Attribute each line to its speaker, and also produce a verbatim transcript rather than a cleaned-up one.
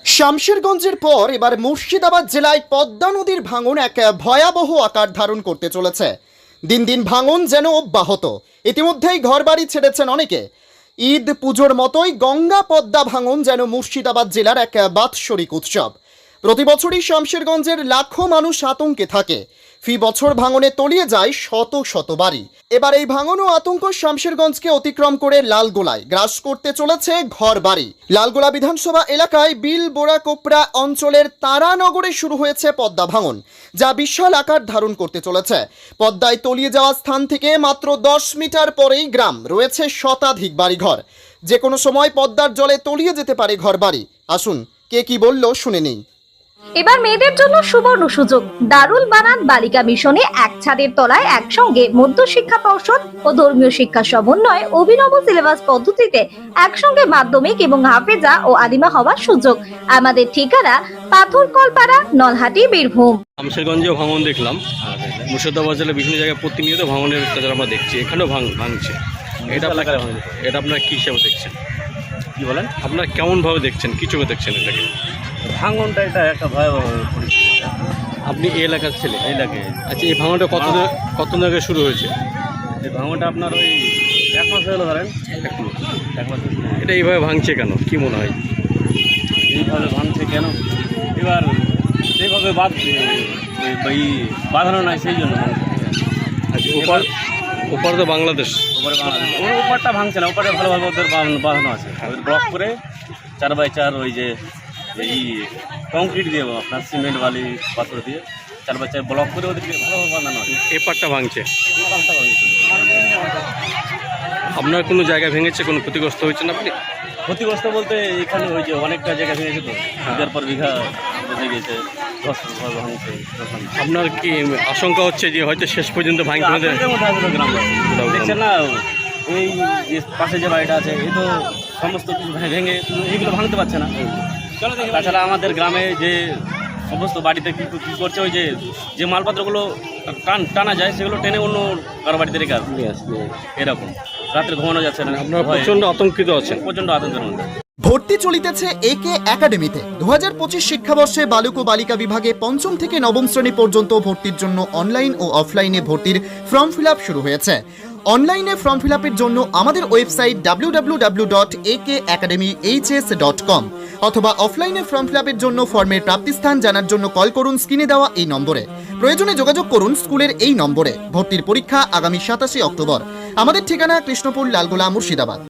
Speaker 1: শামশেরগঞ্জের পর এবার মুর্শিদাবাদ জেলায় পদ্মা নদীর ভাঙন এক ভয়াবহ আকার ধারণ করতে চলেছে। দিন দিন ভাঙন যেন অব্যাহত। ইতিমধ্যেই ঘরবাড়ি ছেড়েছেন অনেকে। ঈদ পুজোর মতোই গঙ্গা পদ্মা ভাঙন যেন মুর্শিদাবাদ জেলার এক বাৎসরিক উৎসব। প্রতি বছরই শামশেরগঞ্জের লাখো মানুষ আতঙ্কে থাকে। ফি বছর ভাঙনে তলিয়ে যায় শত শত বাড়ি। এবার এই ভাঙন ও আতঙ্ক শামশেরগঞ্জকে অতিক্রম করে লালগোলায় গ্রাস করতে চলেছে ঘর বাড়ি। লালগোলা বিধানসভা এলাকায় বিল বোরা কোপরা অঞ্চলের তারানগরে শুরু হয়েছে পদ্মা ভাঙন, যা বিশাল আকার ধারণ করতে চলেছে। পদ্মায় তলিয়ে যাওয়া স্থান থেকে মাত্র দশ মিটার পরেই গ্রাম, রয়েছে শতাধিক বাড়িঘর। যে কোনো সময় পদ্মার জলে তলিয়ে যেতে পারে ঘর বাড়ি। আসুন কে কি বলল শুনে নেই।
Speaker 2: এবার মেয়েদের জন্য সুবর্ণ সুযোগ। দারুল বানান বালিকা মিশনে এক ছাদের তলায় একসঙ্গে মধ্য শিক্ষা পর্ষদ ও ধর্মীয় শিক্ষা সমন্বয়ে অভিনব সিলেবাস পদ্ধতিতে একসঙ্গে মাধ্যমিক এবং হাফেজা ও আদিমা হওয়ার সুযোগ। আমাদের ঠিকানা পাথরকলপাড়া, নলহাটি, বীরভূম।
Speaker 3: শামশেরগঞ্জেও ভাঙন দেখলাম, মুর্শিদাবাদ জেলার বিভিন্ন জায়গায় প্রতিনিয়ত ভাঙনের অত্যাচার আমরা দেখছি, এখানেও ভাঙ ভাঙছে এটা এটা আপনারা কী হিসাবে দেখছেন?
Speaker 4: কি বলেন?
Speaker 3: আপনারা কেমনভাবে দেখছেন, কী চোখে দেখছেন এটাকে?
Speaker 4: ভাঙনটা এটা একটা ভয়াবহ পরিস্থিতি।
Speaker 3: আপনি এই এলাকার ছেলে?
Speaker 4: এই লাগে।
Speaker 3: আচ্ছা, এই ভাঙনটা কত কত আগে শুরু হয়েছে?
Speaker 4: এই ভাঙনটা আপনার ওই এক মাস হলো ধরেন। এক মাস
Speaker 3: এটা এইভাবে ভাঙছে কেন, কি মনে হয়?
Speaker 4: এইভাবে ভাঙছে কেন? এবার সেইভাবে বাদ এই বাঁধানো নাই, সেই জন্য ভাঙছে।
Speaker 3: আচ্ছা, ওপার ওপার তো বাংলাদেশ।
Speaker 4: ওপারে বাংলাদেশ, ওর ওপারটা ভাঙছে না, ওপারে ভালোভাবে ওদের বাঁধানো আছে। ওদের ব্লক করে চার বাই চার ওই যে এই কংক্রিট দিয়ে আপনার সিমেন্ট বালি পাথর দিয়ে চার বাই চার ব্লক করে ওদেরকে ভালোভাবে বাঁধানো আছে।
Speaker 3: এপারটা ভাঙছে, আপনার কোনো জায়গা ভেঙেছে, কোনো ক্ষতিগ্রস্ত হয়েছেন আপনি?
Speaker 4: ক্ষতিগ্রস্ত বলতে এখানে ওই যে অনেকটা জায়গা ভেঙেছে, তো বিঘার পর বিঘা বেঁধে গেছে, দশ ভাঙছে।
Speaker 3: আপনার কি আশঙ্কা হচ্ছে যে হয়তো শেষ পর্যন্ত ভাঙতে হবে?
Speaker 4: দেখছেন না, এই যে পাশে যে বাড়িটা আছে, এই তো সমস্ত কিছু ভেঙে এইগুলো ভাঙতে পারছে না। তাছাড়া আমাদের গ্রামে যে সমস্ত বাড়িতে কী কী করছে, ওই যে যে মালপত্রগুলো টান টানা যায় সেগুলো টেনে অন্য কারো বাড়িতে রেখে আসবে, এরকম। রাত্রে ঘুমানো যাচ্ছে না,
Speaker 3: আপনারা প্রচণ্ড আতঙ্কিত আছেন?
Speaker 4: প্রচণ্ড আতঙ্কের মধ্যে।
Speaker 1: ভর্তি চলিতেছে একে একাডেমিতে। দু হাজার পঁচিশ শিক্ষাবর্ষে বালক ও বালিকা বিভাগে পঞ্চম থেকে নবম শ্রেণী পর্যন্ত ভর্তির জন্য অনলাইন ও অফলাইনে ভর্তির ফর্ম ফিল আপ শুরু হয়েছে। অনলাইনে ফর্ম ফিল আপের জন্য আমাদের website W W W dot A K academy H S dot com অথবা অফলাইনে ফর্ম ফিল আপের জন্য ফর্মের প্রাপ্তিস্থান জানার জন্য কল করুন স্ক্রিনে দেওয়া এই নম্বরে। প্রয়োজনে যোগাযোগ করুন স্কুলের এই নম্বরে। ভর্তির পরীক্ষা আগামী সাতাশে অক্টোবর। আমাদের ঠিকানা কৃষ্ণপুর, লালগোলা, মুর্শিদাবাদ।